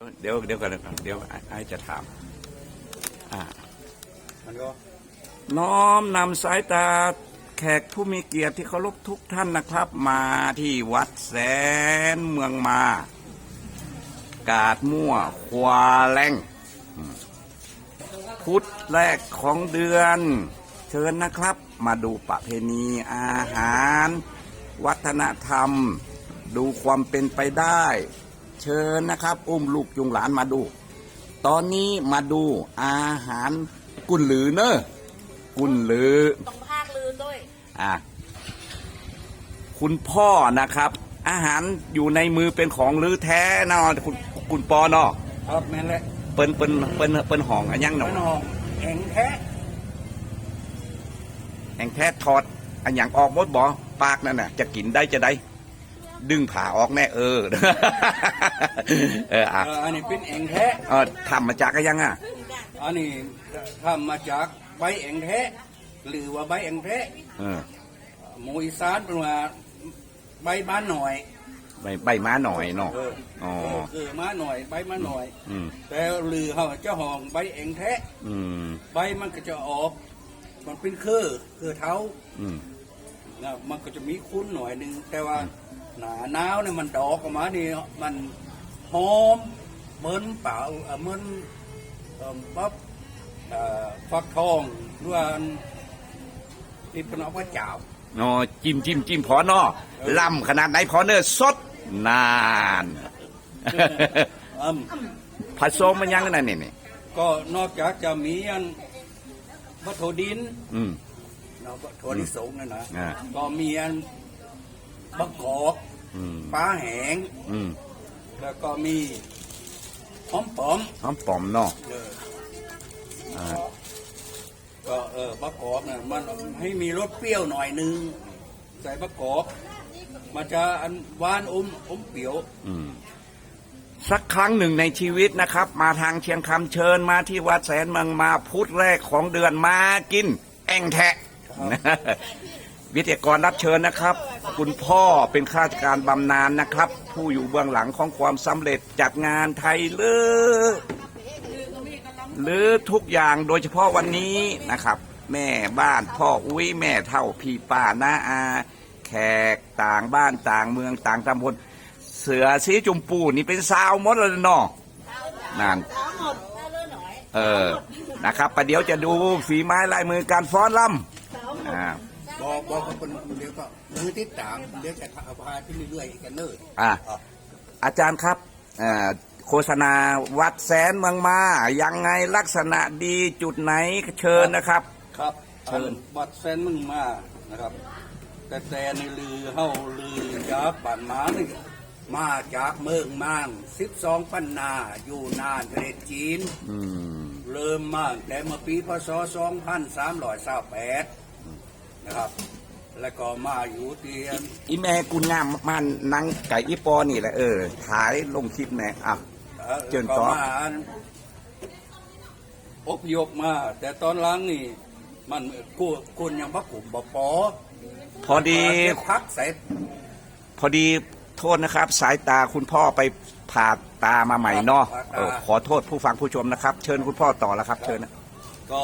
เดี๋ยวกันนะครับเดี๋ยวไอ้จะถามมันก็น้อมนำสายตาแขกผู้มีเกียรติที่เคารพทุกท่านนะครับ มาที่วัดแสนเมืองมากาดมั่วควาแรงพุธแรกของเดือน เชิญนะครับ มาดูประเพณีอาหาร วัฒนธรรม ดูความเป็นไปได้ เชิญนะครับ อุ้มลูกจุงหลานมาดู ตอนนี้มาดูอาหารกุนหรือเนอะกุนหรือต้องภาคลือด้วยคุณพ่อนะครับ อาหารอยู่ในมือเป็นของลือแท้เนาะคุณปอเนาะครับแม่นแหละเปิ้นห่องอันยังเนาะแข็งแท้ทอดอันยังออกหมดบ่ปากนั่นน่ะจะกินได้จะได้ดึงผ่าออกแน่อันนี้เป็นแองแท้ทำมาจากอะไรยังอันนี้ทำมาจากใบแองแท้หรือว่าใบแองแท้หมูอีสานเป็นว่าใบม้าหน่อยใบม้าหน่อยเนาะม้าหน่อยใบม้าหน่อยแต่หรือเขาจะห่องใบแองแท้ใบมันก็จะออกมันเป็นคือเท้ามันก็จะมีคุ้นหน่อยนึงแต่ว่าหนาหนาวเนี่ยมันดอกออกมานี่มันหอมเหมือนเปล่าเหมือนปั๊บฟักทองด้วยที่เป็นเอาไว้จ่าวจิ้มพอเนาะล่ำขนาดไหนพอเนอสดนานผสมมันยังนั่นนี่ก็นอกจากจะมีอันวัตถุดินถั่วลิสงนั่นนะก็มีอันบะกอกปลาแห้งแล้วก็มีหอมปอมเนาะก็บะกอกเนี่ยมันให้มีรสเปรี้ยวหน่อยนึงใส่บะกอกมันจะอันหวานอมเปรี้ยวสักครั้งหนึ่งในชีวิตนะครับมาทางเชียงคำเชิญมาที่วัดแสนเมืองมาพุธแรกของเดือนมากินแองแทะวิทยากรรับเชิญนะครับคุณพ่อเป็นข้าราชการบำนาญนะครับ ผู้อยู่เบื้องหลังของความสำเร็จจัดงานไทยหรือทุกอย่างโดยเฉพาะวันนี้นะครับ แม่บ้านพ่ออุ้ยแม่เท่าพี่ป้าน้าอาแขกต่างบ้านต่างเมืองต่างตำบลเสือสีจุมปูนี่เป็นสาวมดเลยเนาะนั่นนะครับประเดี๋ยวจะดูฝีไม้ลายมือการฟ้อนรำบอกคนเดียวก็มือติดตามเดี๋ยวจะพาขึ้นเรื่อยๆกันเนออาจารย์ครับโฆษณาวัดแสนเมืองมายังไงลักษณะดีจุดไหนเชิญนะครับครับเชิญวัดแสนเมืองมานะครับแต่ในลือเฮาลือจะปั่นม้านี่มาจากเมืองมาง12 ปันนาอยู่นานประเทศจีนเริ่มมาแต่เมื่อปีพศ2328นะครับแล้วก็มาอยู่เตียนอีแม่กุญงามมันนังไก่อีปอนี่แหละถ่ายลงคลิปแน่เจิญต่ออพยพมาแต่ตอนหลังนี่มันกุญยังพักกลุ่มปอพอดีพักเสร็จพอดีโทษนะครับสายตาคุณพ่อไปผ่าตามาใหม่เนาะขอโทษผู้ฟังผู้ชมนะครับเชิญคุณพ่อต่อแล้วครับเชิญก็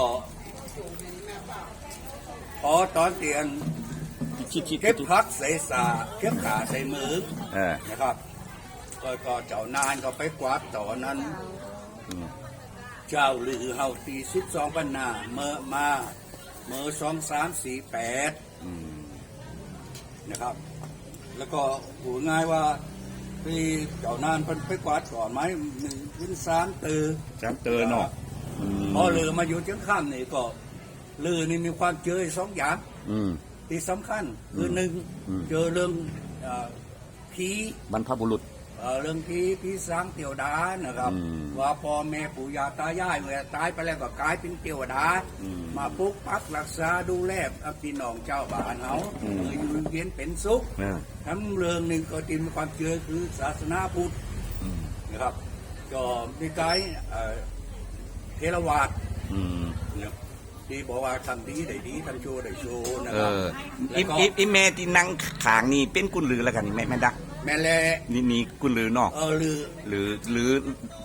พอตอนเตียนเก็บพักใส่สาเก็บขาใส่มือนะครับก็เจ้านานก็ไปกวาดต่อนั้นเจ้าหรือเฮาตี12 ปันนาเมื่อ2348นะครับแล้วก็หูง่ายว่าที่เจ้านานไปกวาดก่อนไหม3 ตือเนาะพอเรือมาอยู่เชียงคำนี่ก็เรือนี่มีความเจอ2 อย่างที่สำคัญคือ1เจอเรื่องผีบรรพบุรุษเรื่องผีสางเตียวดานะครับว่าพ่อแม่ปู่ย่าตายายเมื่อตายไปแล้วก็กลายเป็นเตียวดามาปกปักรักษาดูแลพี่น้องเจ้าบ้านเขาอยู่เย็นเป็นสุขทั้งเรื่องหนึ่งก็ติมีความเชื่อคือศาสนาพุทธนะครับก็มีกายเทรวาสที่บอกว่าทำดีได้ดีทำชั่วได้ชั่วนะครับอีเมที่นั่งขางนี่เป็นกุนหรือแล้วกันแม่ดักแม่แหละนี่กุนหรือเนาะหรือ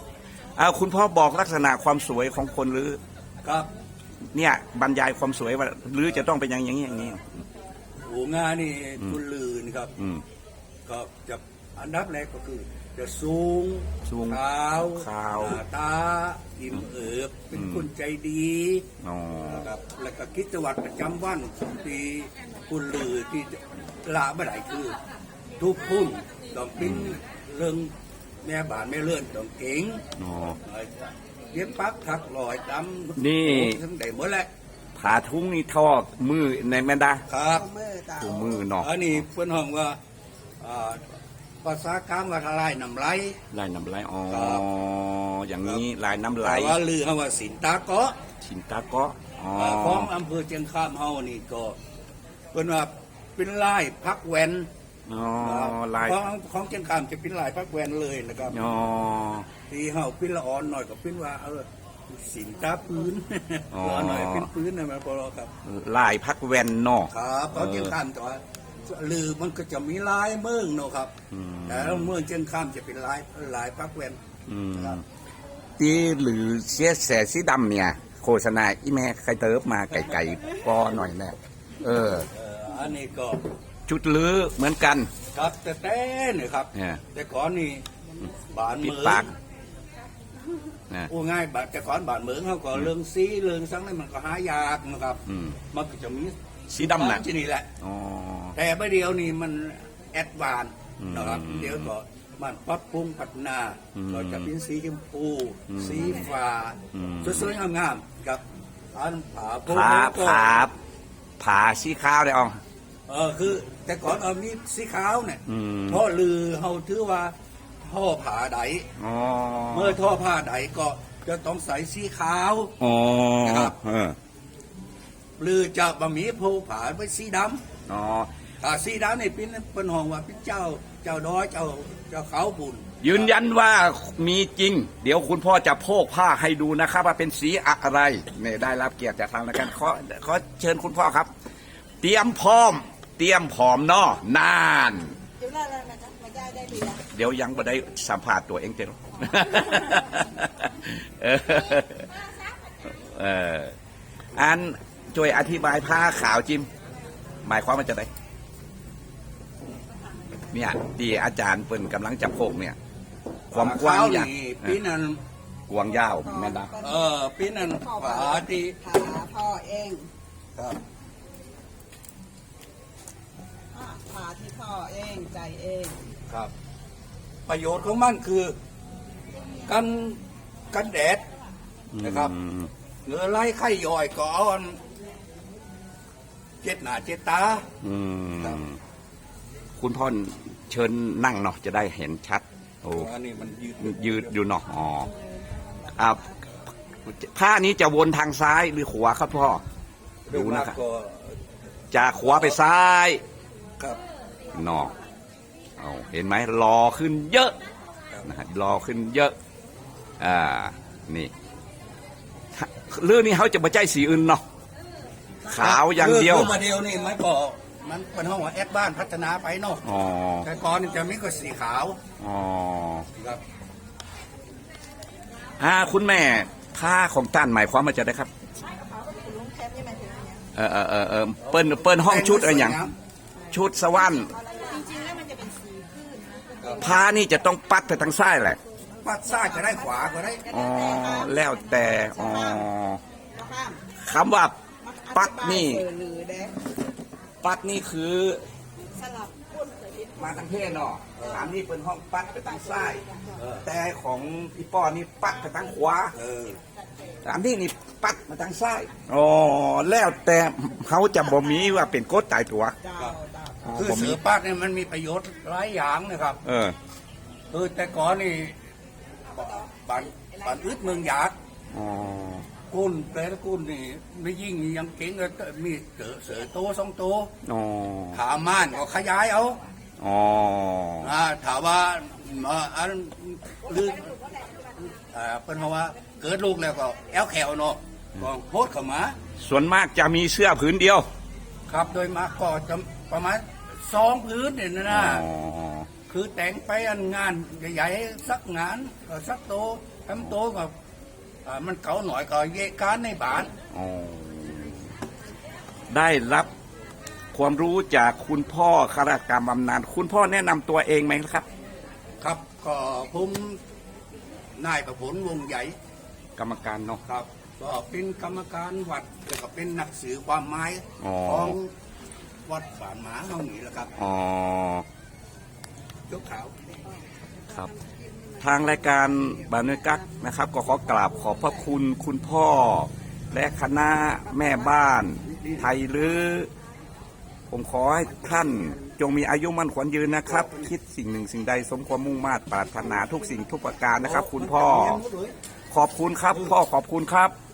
คุณพ่อบอกลักษณะความสวยของคนหรือครับเนี่ยบรรยายความสวยว่าหรือจะต้องเป็นอย่างนี้อย่างนี้โอ้งานนี่คุณลือนี่ครับอืมก็จะอันดับแรกก็คือ จะสูงสูงขาวขาวหน้าตาอิ่มเอิบเป็นคนใจดีอ๋อนะครับแล้วก็กิจวัตรประจำวันของที่คุณลือที่ละไม่ได้คือ ทุกพุ่นต้องปิ้นเรื่องแม่บ้านแม่เลื่อนต้องเก่งอ๋อเย็บปักถักลอยตำนี่ทั้งใดหมดแหละผาทุ้งนี่ทอดมือในแม่ดาครับถุงมือเนาะอันนี้เพื่อนห้องว่าอ่าภาษากลางว่าทลายน้ำไหลลายน้ำไหลอ๋อครับอย่างนี้ลายน้ำไหลแต่ว่าลือคำว่าสินตาเกาะชินตาเกาะอ๋อของอำเภอเชียงคานเฮานี่ก็เพิ่นว่าเป็นลายพักแวนอ๋อลายของเชียงคานจะเป็นลายพักแวนเลยนะครับอ๋อที่เฮาเป็นละอ่อนหน่อยก็เป็นว่าสินตาปืนอ๋อละอ่อนหน่อยเป็นปืนนะแม่พอครับลายพักแวนเนาะครับของเชียงคานแต่ว่าลือมันก็จะมีลายเมืองเนาะครับอืมแต่เมืองเชียงคานจะเป็นลายพักแวนอืมครับที่หรือเสียแสสีดำเนี่ย โฆษณาอีแม่ใครเติบมาไก่ๆปอหน่อยแน่เอออันนี้ก็ชุดลือเหมือนกันครับแต่เนี่ยครับเนี่ยแต่ก่อนนี่บานปิดเมืองปากนะโอ้ง่ายบาดแต่ก่อนบานเมืองเขาก็เรื่องซีเรื่องสังนั้นมันก็หายากนะครับอืมมันก็จะมีสีดำน่ะที่นี่แหละอ๋อแต่เมื่อเดียวนี่มันแอดวานซ์อืมนะครับเดี๋ยวก็มันปรับปรุงพัฒนาอืมก็จะเป็นสีชมพูอืมสีฟ้าอืมสวยๆงามๆครับอันผาโพผาก็ผาสีขาวได้อ๋อคือแต่ก่อนเอามีสีขาวเนี่ยอืมเพราะลือเขาถือว่าท่อผาใดอ๋อเมื่อท่อผ้าใดก็จะต้องใส่สีขาวอ๋อนะครับเออหรือจะบะหมี่โพผาไปสีดอ๋อำถ้าสีดำนี่เป็นห้องว่าเป็นเจ้าดอยเจ้าเขาบุญยืนยันว่ามีจริง เดี๋ยวคุณพ่อจะโพกผ้าให้ดูนะครับ ว่าเป็นสีอะไรเนี่ยได้รับเกียรติจากทางรายการขอเชิญคุณพ่อครับ เตรียมพร้อม เตรียมผอมเนาะนานเดี๋ยวเรามาจะมาได้ดีนะเดี๋ยวยังไม่ได้สัมผัสตัวเองเต็ม เออเอออันช่วยอธิบายผ้าขาวจิม หมายความว่าจะไดเนี่ยที่อาจารย์เปิ่นกำลังจะโพกเนี่ย ความกว้างเขอย่างนี่ปีนั้นกว้างยาวแม่นดาปีนั้นผาที่หาพ่อเองครับหาที่พ่อเองใจเองครับ ประโยชน์ของมันคือกันแดดนะครับอืมเหลือไล่ไข่ย่อยก็เอาอันเจ็ดหน้าเจ็ดตาอืครับมคุณพ่อเชิญนั่งเนาะจะได้เห็นชัด โอ้อันนี้มันยืดยืดอยู่เนาะอ๋ออ่าผ้านี้จะวนทางซ้ายหรือขวาครับพ่อ ดูนะครับก็จากขวาไปซ้ายครับเนาะเอาเห็นไหมรอขึ้นเยอะนะฮะรอขึ้นเยอะ นี่เรื่องนี้เขาจะมาใจสีอื่นเนาะขาวอย่างเดียวคือมาเดียวนี่มันก็มันเป็นห้องว่าแอดบ้านพัฒนาไปเนาะอ๋อแต่ก่อนนี่จะมีก็สีขาวอ๋อครับคุณแม่ผ้าของต้านหมายความว่าจะได้ครับคุณลุงแคปนี่มันถึงอย่างเปิ้นห้องชุดอะไรอย่างชุดสวรรค์จริงๆแล้วมันจะเป็นสีขึ้นผ้านี่จะต้องปัดไปทางซ้ายแหละปัดซ้ายก็ได้ขวาก็ได้อ๋อแล้วแต่อ๋อข้ามคำว่าปัดนี่หรือแดงปัดนี่คือสลับก้นเคยเห็นมาทางเพศเนาะอันนี้เป็นห้องปัดไปทางซ้ายเออแต่ของพี่ป้อนี่ปัดไปทางขวาเอออันนี้นี่ปัดมาทางซ้ายอ๋อแล้วแต่เขาจะบ่มีว่าเป็นกฎตายตัวเจ้าเจ้าอ๋อคือบ่มีเสือปัดเนี่ยมันมีประโยชน์หลายอย่างนะครับเออคือแต่ก่อนนี่บ้านอึดเมืองหยาดอ๋อกุนแต่ละกุนนี่ไม่ยิ่งยังเก่งเลยมีเสือโตสองโตวอ๋อขาม่านก็ขยายเอาอ๋อถามว่าอันหรือเป็นเพราะว่าเกิดลูกแล้วก็แอลแขวเนาะก็โพดเข้ามาส่วนมากจะมีเสื้อผืนเดียวครับโดยมากก็จะประมาณ2 พื้นเนี่ยนะอ๋อคือแต่งไปอันงานใหญ่ๆสักงานก็สักโตทำโตก็มันเก่าหน่อยก็เยะการในบ้านอ๋อได้รับความรู้จากคุณพ่อข้าราชการบำนาญคุณพ่อแนะนำตัวเองไหมครับครับก็ผมนายประพลวงใหญ่กรรมการเนาะครับก็เป็นกรรมการวัดแล้วก็เป็นนักสื่อความหมายอ๋อของวัดฝานหมาเฮานี่แหละครับอ๋อยกขาวครับ ทางรายการบานวยกักนะครับ ก็ขอกราบขอบพระคุณคุณพ่อ และคณะแม่บ้านไทยหรือ ผมขอให้ท่านจงมีอายุมั่นขวัญยืนนะครับ คิดสิ่งหนึ่งสิ่งใดสมความมุ่งมา่ปรารถนาทุกสิ่งทุกประการนะครับ คุณพ่อ ขอบคุณครับ พ่อขอบคุณครับ